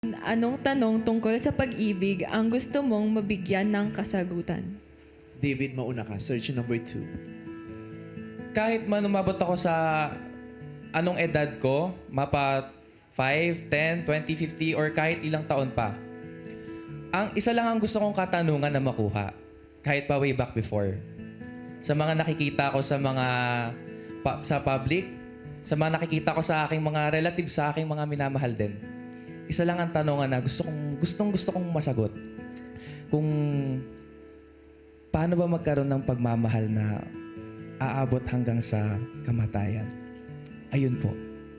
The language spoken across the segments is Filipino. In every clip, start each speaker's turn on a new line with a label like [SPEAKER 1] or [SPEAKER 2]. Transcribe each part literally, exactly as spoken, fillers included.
[SPEAKER 1] Anong tanong tungkol sa pag-ibig ang gusto mong mabigyan ng kasagutan?
[SPEAKER 2] David, mauna ka. Search number two.
[SPEAKER 3] Kahit man umabot ako sa anong edad ko, mapa five, ten, twenty, fifty, or kahit ilang taon pa, ang isa lang ang gusto kong katanungan na makuha, kahit pa way back before. Sa mga nakikita ko sa mga pa, sa public, sa mga nakikita ko sa aking mga relatives, sa aking mga minamahal din. Isa lang ang tanongan na gusto kong gustong gusto kong masagot. Kung paano ba magkaroon ng pagmamahal na aabot hanggang sa kamatayan? Ayun po.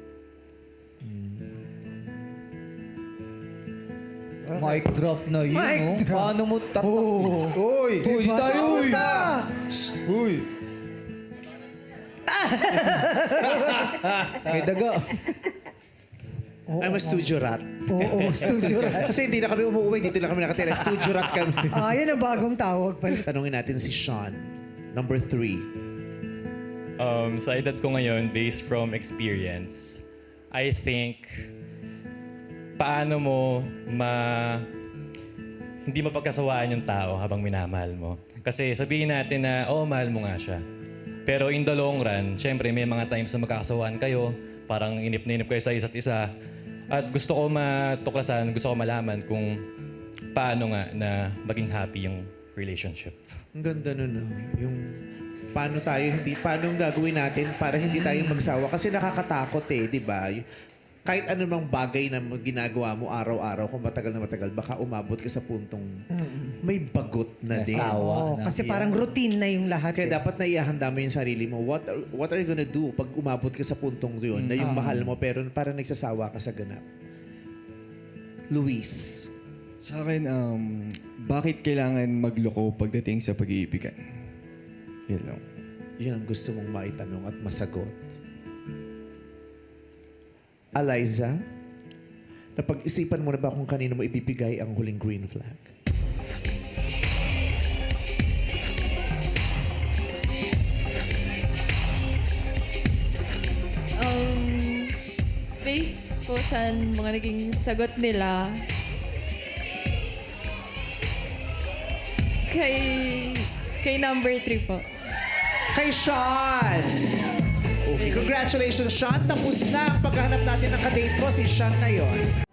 [SPEAKER 4] Mic drop na yun,
[SPEAKER 5] Mic
[SPEAKER 4] no?
[SPEAKER 5] drop.
[SPEAKER 4] Paano mo tat...
[SPEAKER 5] Oh. Uy!
[SPEAKER 4] Uy,
[SPEAKER 5] Diba?
[SPEAKER 4] tayo,
[SPEAKER 5] Saan
[SPEAKER 4] uy.
[SPEAKER 5] punta?
[SPEAKER 4] Uy! May daga.
[SPEAKER 2] I'm a studio rat.
[SPEAKER 5] Oo, studio rat.
[SPEAKER 2] Kasi hindi na kami umuwi. Dito lang kami nakatira. Studio rat kami.
[SPEAKER 5] Ah, yun ang bagong tawag pala.
[SPEAKER 2] Tanungin natin si Sean. Number three.
[SPEAKER 6] Um, sa edad ko ngayon, based from experience, I think, paano mo ma... hindi mapagkasawaan yung tao habang minamahal mo. Kasi sabihin natin na, oo, mahal mo nga siya. Pero in the long run, syempre may mga times na magkakasawaan kayo, parang inip na inip kayo sa isa't isa. At gusto ko matuklasan, gusto ko malaman kung paano nga na maging happy yung relationship.
[SPEAKER 2] Ang ganda nun, no? Yung paano tayo, hindi, paano ang gagawin natin para hindi tayo magsawa. Kasi nakakatakot eh, di ba? Y- Kahit anumang bagay na mag- ginagawa mo araw-araw, kung matagal na matagal, baka umabot ka sa puntong may bagot na din.
[SPEAKER 4] Nasawa.
[SPEAKER 5] Oo, kasi parang routine na yung lahat.
[SPEAKER 2] Kaya
[SPEAKER 5] eh.
[SPEAKER 2] dapat naihahanda mo yung sarili mo. What are, what are you gonna do pag umabot ka sa puntong yun na yung mahal mo pero parang nagsasawa ka sa ganap? Luis.
[SPEAKER 7] Sa akin, um, bakit kailangan magloko pagdating sa pag-iibigan? Yun lang.
[SPEAKER 2] Yun ang gusto mong maitanong at masagot. Eliza, napag-isipan mo na ba kung kanino mo ibibigay ang huling green flag?
[SPEAKER 1] Um, based po sa mga naging sagot nila, kay, kay number three po.
[SPEAKER 2] Kay Sean! Okay, congratulations, Sean. Tapos na ang paghahanap natin ng kadate mo. Si Sean na yon.